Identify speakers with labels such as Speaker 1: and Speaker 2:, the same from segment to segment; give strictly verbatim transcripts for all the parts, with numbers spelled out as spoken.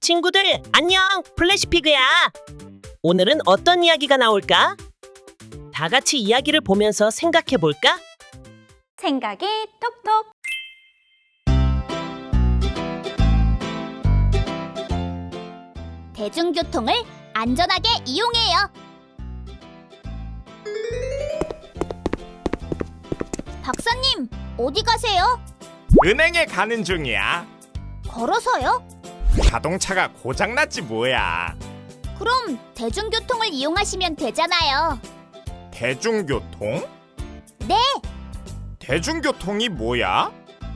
Speaker 1: 친구들, 안녕! 플래시피그야! 오늘은 어떤 이야기가 나올까? 다 같이 이야기를 보면서 생각해 볼까?
Speaker 2: 생각이 톡톡. 대중교통을 안전하게 이용해요. 박사님, 어디 가세요?
Speaker 3: 은행에 가는 중이야.
Speaker 2: 걸어서요?
Speaker 3: 자동차가 고장났지 뭐야.
Speaker 2: 그럼 대중교통을 이용하시면 되잖아요.
Speaker 3: 대중교통?
Speaker 2: 네,
Speaker 3: 대중교통이 뭐야?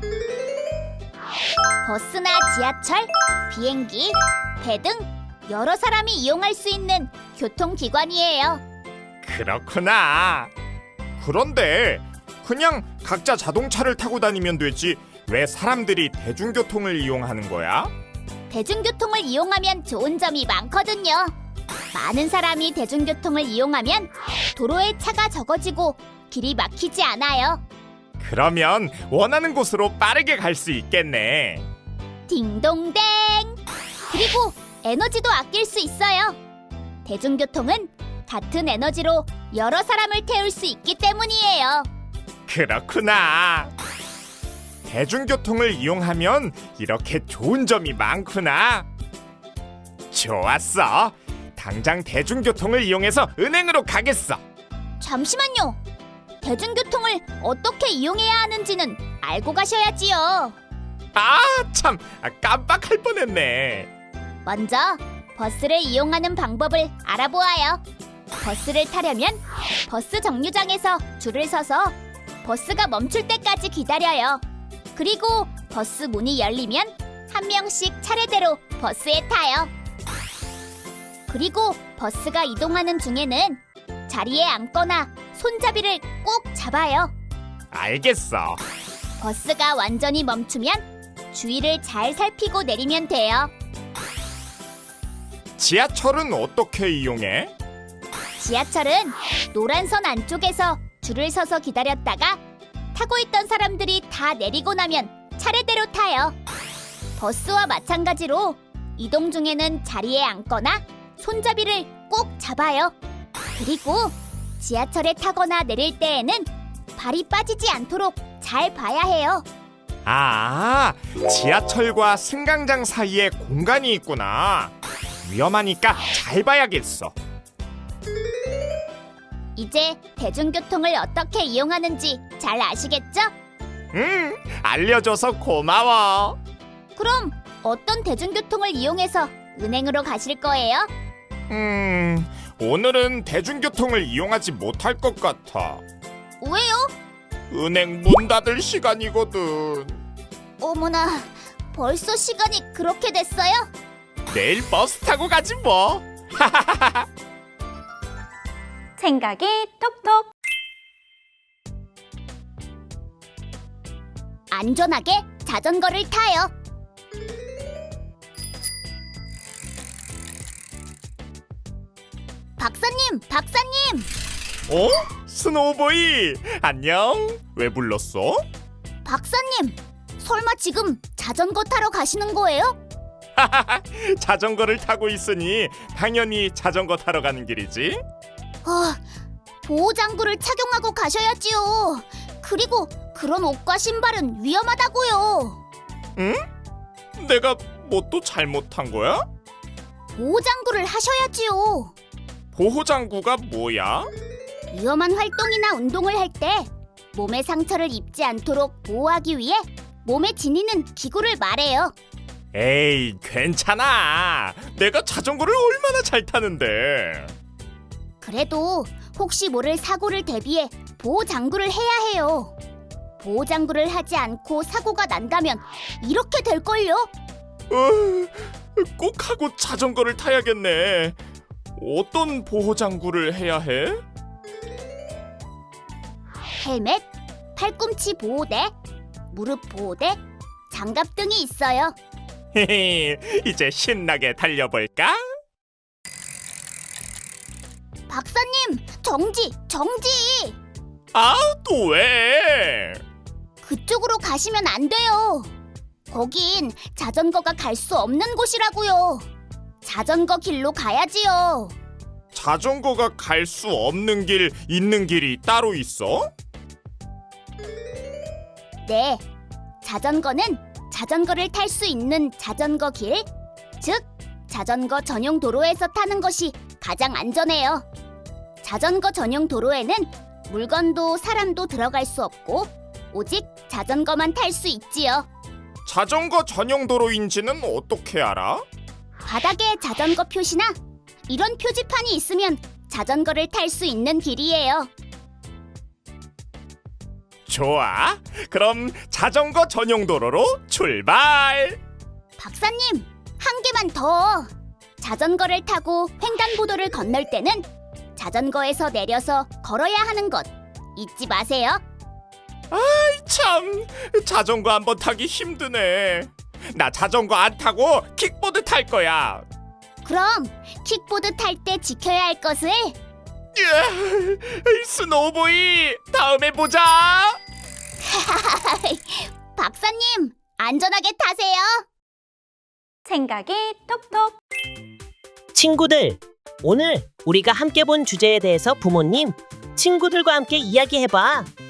Speaker 2: 버스나 지하철, 비행기, 배 등 여러 사람이 이용할 수 있는 교통기관이에요.
Speaker 3: 그렇구나. 그런데 그냥 각자 자동차를 타고 다니면 되지 왜 사람들이 대중교통을 이용하는 거야?
Speaker 2: 대중교통을 이용하면 좋은 점이 많거든요. 많은 사람이 대중교통을 이용하면 도로에 차가 적어지고 길이 막히지 않아요.
Speaker 3: 그러면 원하는 곳으로 빠르게 갈 수 있겠네.
Speaker 2: 딩동댕! 그리고 에너지도 아낄 수 있어요. 대중교통은 같은 에너지로 여러 사람을 태울 수 있기 때문이에요.
Speaker 3: 그렇구나. 대중교통을 이용하면 이렇게 좋은 점이 많구나. 좋았어. 당장 대중교통을 이용해서 은행으로 가겠어.
Speaker 2: 잠시만요. 대중교통을 어떻게 이용해야 하는지는 알고 가셔야지요.
Speaker 3: 아, 참. 아, 깜빡할 뻔했네.
Speaker 2: 먼저 버스를 이용하는 방법을 알아보아요. 버스를 타려면 버스 정류장에서 줄을 서서 버스가 멈출 때까지 기다려요. 그리고 버스 문이 열리면 한 명씩 차례대로 버스에 타요. 그리고 버스가 이동하는 중에는 자리에 앉거나 손잡이를 꼭 잡아요.
Speaker 3: 알겠어.
Speaker 2: 버스가 완전히 멈추면 주위를 잘 살피고 내리면 돼요.
Speaker 3: 지하철은 어떻게 이용해?
Speaker 2: 지하철은 노란 선 안쪽에서 줄을 서서 기다렸다가 타고 있던 사람들이 다 내리고 나면 차례대로 타요. 버스와 마찬가지로 이동 중에는 자리에 앉거나 손잡이를 꼭 잡아요. 그리고 지하철에 타거나 내릴 때에는 발이 빠지지 않도록 잘 봐야 해요.
Speaker 3: 아, 지하철과 승강장 사이에 공간이 있구나. 위험하니까 잘 봐야겠어.
Speaker 2: 이제 대중교통을 어떻게 이용하는지 잘 아시겠죠?
Speaker 3: 음, 알려줘서 고마워.
Speaker 2: 그럼 어떤 대중교통을 이용해서 은행으로 가실 거예요?
Speaker 3: 음, 오늘은 대중교통을 이용하지 못할 것 같아.
Speaker 2: 왜요?
Speaker 3: 은행 문 닫을 시간이거든.
Speaker 2: 어머나, 벌써 시간이 그렇게 됐어요?
Speaker 3: 내일 버스 타고 가지 뭐.
Speaker 2: 생각이 톡톡. 안전하게 자전거를 타요. 박사님, 박사님!
Speaker 3: 어? 스노우보이, 안녕. 왜 불렀어?
Speaker 2: 박사님, 설마 지금 자전거 타러 가시는 거예요?
Speaker 3: 자전거를 타고 있으니 당연히 자전거 타러 가는 길이지.
Speaker 2: 어, 보호장구를 착용하고 가셔야지요. 그리고 그런 옷과 신발은 위험하다고요.
Speaker 3: 응? 내가 뭐 또 잘못한 거야?
Speaker 2: 보호장구를 하셔야지요.
Speaker 3: 보호장구가 뭐야?
Speaker 2: 위험한 활동이나 운동을 할 때 몸에 상처를 입지 않도록 보호하기 위해 몸에 지니는 기구를 말해요.
Speaker 3: 에이, 괜찮아. 내가 자전거를 얼마나 잘 타는데.
Speaker 2: 그래도 혹시 모를 사고를 대비해 보호장구를 해야 해요. 보호장구를 하지 않고 사고가 난다면 이렇게 될걸요?
Speaker 3: 어, 꼭 하고 자전거를 타야겠네. 어떤 보호장구를 해야 해?
Speaker 2: 헬멧, 팔꿈치 보호대, 무릎 보호대, 장갑 등이 있어요.
Speaker 3: 헤헤, 이제 신나게 달려볼까?
Speaker 2: 박사님, 정지, 정지!
Speaker 3: 아, 또 왜?
Speaker 2: 그쪽으로 가시면 안 돼요. 거긴 자전거가 갈 수 없는 곳이라고요. 자전거 길로 가야지요.
Speaker 3: 자전거가 갈 수 없는 길, 있는 길이 따로 있어?
Speaker 2: 네, 자전거는 자전거를 탈 수 있는 자전거 길, 즉 자전거 전용 도로에서 타는 것이 가장 안전해요. 자전거 전용 도로에는 물건도 사람도 들어갈 수 없고 오직 자전거만 탈 수 있지요.
Speaker 3: 자전거 전용 도로인지는 어떻게 알아?
Speaker 2: 바닥에 자전거 표시나 이런 표지판이 있으면 자전거를 탈 수 있는 길이에요.
Speaker 3: 좋아. 그럼 자전거 전용 도로로 출발.
Speaker 2: 박사님, 한 개만 더. 자전거를 타고 횡단보도를 건널 때는 자전거에서 내려서 걸어야 하는 것 잊지 마세요.
Speaker 3: 참, 자전거 한번 타기 힘드네. 나 자전거 안 타고 킥보드 탈 거야.
Speaker 2: 그럼 킥보드 탈 때 지켜야 할 것을
Speaker 3: 예, 스노우보이, 다음에 보자.
Speaker 2: 박사님, 안전하게 타세요.
Speaker 4: 생각이 톡톡.
Speaker 1: 친구들, 오늘 우리가 함께 본 주제에 대해서 부모님, 친구들과 함께 이야기해봐.